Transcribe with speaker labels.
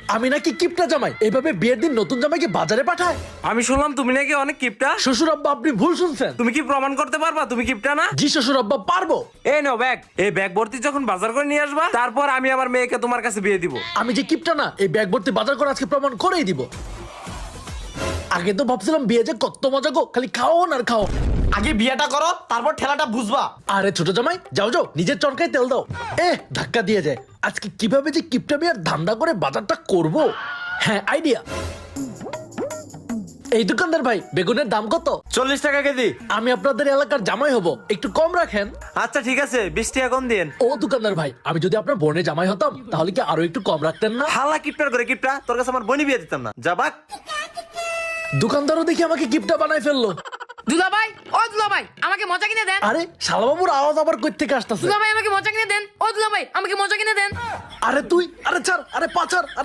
Speaker 1: আমি নাকি কিপটা জামাই? এভাবে বিয়ের দিন নতুন জামাইকে বাজারে পাঠায়?
Speaker 2: আমি শুনলাম তুমি নাকি অনেক কিপটা।
Speaker 1: শ্বশুর আব্বা, আপনি ভুল শুনছেন।
Speaker 2: তুমি কি প্রমাণ করতে পারবা তুমি কিপটা না?
Speaker 1: জি শ্বশুর আব্বা, পারবো।
Speaker 2: এই নাও ব্যাগ, এই ব্যাগ ভর্তি যখন বাজার করে নিয়ে আসবা, তারপর আমি আমার মেয়েকে তোমার কাছে বিয়ে দিব।
Speaker 1: আমি যে কিপটা না, এই ব্যাগ ভর্তি বাজার করে আজকে প্রমাণ করেই দিব। আগে তো ভাবছিলাম বিয়ে যে কত মজা গো, খালি খাও আর খাও।
Speaker 3: আগে বিয়েটা করো, তারপর ঠেলাটা বুঝবা।
Speaker 1: আরে ছোট জামাই, যাও যাও, নিজের চরকায় তেল দাও। ধাক্কা দিয়ে যায়। আজকে কিভাবে যে কিপটা বিয়ার ধান্দা করে বাজারটা করব। হ্যাঁ, আইডিয়া। এই দোকানদার ভাই, বেগুনের দাম কত?
Speaker 2: 40 টাকা কেজি।
Speaker 1: আমি আপনাদের এলাকার জামাই হব, একটু কম রাখেন।
Speaker 2: আচ্ছা ঠিক আছে, 20 টাকা কম দিন।
Speaker 1: ও দোকানদার ভাই, আমি যদি আপনার বোনের জামাই হতাম তাহলে কি আরো একটু কম রাখতেন না?
Speaker 2: হালা কিপটার করে কিপটা, তোর কাছে আমার বোনই বিয়ে দিতাম না। যাবাক।
Speaker 1: দোকানদারও দেখি আমাকে কিপটা বানাই ফেললো।
Speaker 4: দুলাভাই, ও দুলাভাই, আমাকে মজা কিনে দেন।
Speaker 1: আরে শালাবাবুর আওয়াজ আবার কই থেকে আসতেছে?
Speaker 4: দুলাভাই, আমাকে মজা কিনে দেন। ও দুলাভাই, আমাকে মজা কিনে দেন।
Speaker 1: আরে তুই, আরে ছাড়, আরে পাছার।